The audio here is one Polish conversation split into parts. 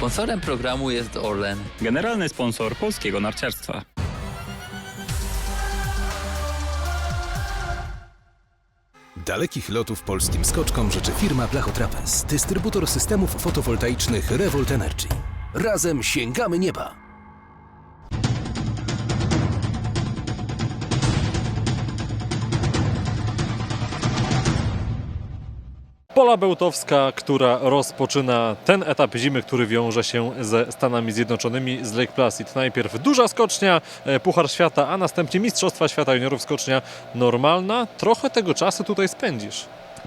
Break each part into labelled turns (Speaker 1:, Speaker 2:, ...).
Speaker 1: Sponsorem programu jest Orlen.
Speaker 2: Generalny sponsor polskiego narciarstwa.
Speaker 3: Dalekich lotów polskim skoczkom życzy firma Blachotrapez, dystrybutor systemów fotowoltaicznych Revolt Energy. Razem sięgamy nieba!
Speaker 4: Pola Bełtowska, która rozpoczyna ten etap zimy, który wiąże się ze Stanami Zjednoczonymi, z Lake Placid. Najpierw duża skocznia, Puchar Świata, a następnie Mistrzostwa Świata Juniorów, skocznia normalna. Trochę tego czasu tutaj spędzisz.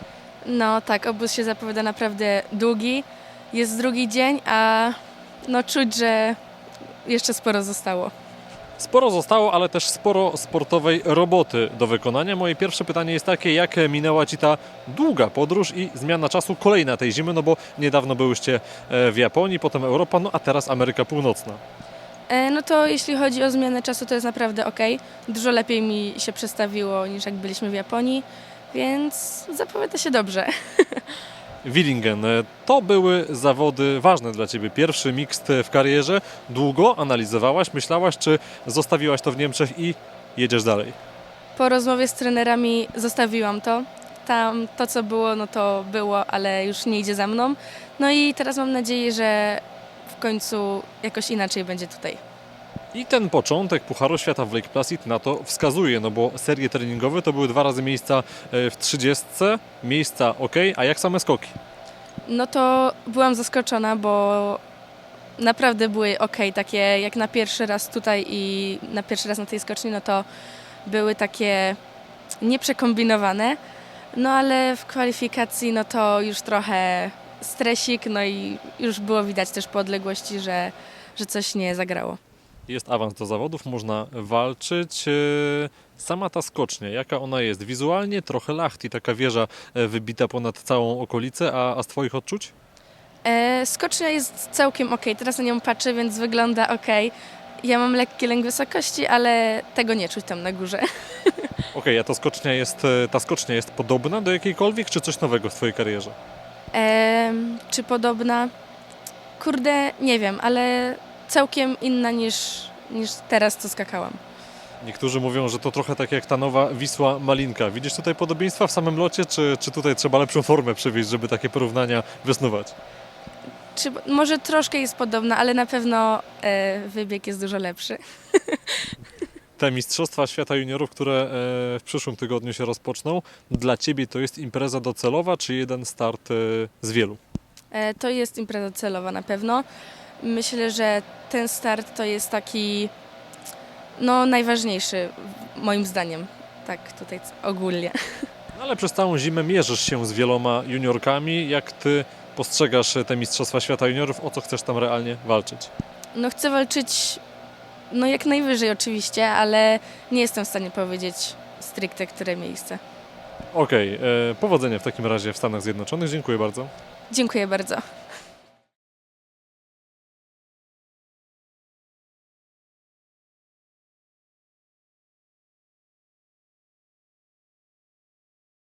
Speaker 5: No tak, obóz się zapowiada naprawdę długi. Jest drugi dzień, a no czuć, że jeszcze sporo zostało.
Speaker 4: Sporo zostało, ale też sporo sportowej roboty do wykonania. Moje pierwsze pytanie jest takie, jak minęła Ci ta długa podróż i zmiana czasu kolejna tej zimy, no bo niedawno byłyście w Japonii, potem Europa, no a teraz Ameryka Północna.
Speaker 5: No to jeśli chodzi o zmianę czasu, to jest naprawdę ok. Dużo lepiej mi się przestawiło niż jak byliśmy w Japonii, więc zapowiada się dobrze.
Speaker 4: Willingen, to były zawody ważne dla Ciebie. Pierwszy mixed w karierze. Długo analizowałaś, myślałaś, czy zostawiłaś to w Niemczech i jedziesz dalej?
Speaker 5: Po rozmowie z trenerami zostawiłam to. Tam to, co było, no to było, ale już nie idzie za mną. No i teraz mam nadzieję, że w końcu jakoś inaczej będzie tutaj.
Speaker 4: I ten początek Pucharu Świata w Lake Placid na to wskazuje, no bo serie treningowe to były 2 razy miejsca w 30, miejsca ok, a jak same skoki?
Speaker 5: No to byłam zaskoczona, bo naprawdę były ok, takie jak na pierwszy raz tutaj i na pierwszy raz na tej skoczni, no to były takie nieprzekombinowane. No ale w kwalifikacji no to już trochę stresik, no i już było widać też po odległości, że coś nie zagrało.
Speaker 4: Jest awans do zawodów, można walczyć. Sama ta skocznia, jaka ona jest? Wizualnie trochę lachti, taka wieża wybita ponad całą okolicę, a z Twoich odczuć?
Speaker 5: Skocznia jest całkiem ok, teraz na nią patrzę, więc wygląda ok. Ja mam lekki lęk wysokości, ale tego nie czuć tam na górze.
Speaker 4: Okej, a ta skocznia jest podobna do jakiejkolwiek, czy coś nowego w Twojej karierze?
Speaker 5: Czy podobna? Kurde, nie wiem, ale całkiem inna niż teraz, co skakałam.
Speaker 4: Niektórzy mówią, że to trochę tak jak ta nowa Wisła Malinka. Widzisz tutaj podobieństwa w samym locie, czy tutaj trzeba lepszą formę przywieźć, żeby takie porównania wysnuwać?
Speaker 5: Może troszkę jest podobna, ale na pewno wybieg jest dużo lepszy.
Speaker 4: Te Mistrzostwa Świata Juniorów, które w przyszłym tygodniu się rozpoczną, dla Ciebie to jest impreza docelowa, czy jeden start z wielu?
Speaker 5: To jest impreza celowa na pewno. Myślę, że ten start to jest taki najważniejszy moim zdaniem. Tak tutaj ogólnie.
Speaker 4: No ale przez całą zimę mierzysz się z wieloma juniorkami. Jak Ty postrzegasz te Mistrzostwa Świata Juniorów? O co chcesz tam realnie walczyć?
Speaker 5: Chcę walczyć jak najwyżej oczywiście, ale nie jestem w stanie powiedzieć stricte, które miejsce.
Speaker 4: Okej, powodzenia w takim razie w Stanach Zjednoczonych. Dziękuję bardzo.
Speaker 5: Dziękuję bardzo.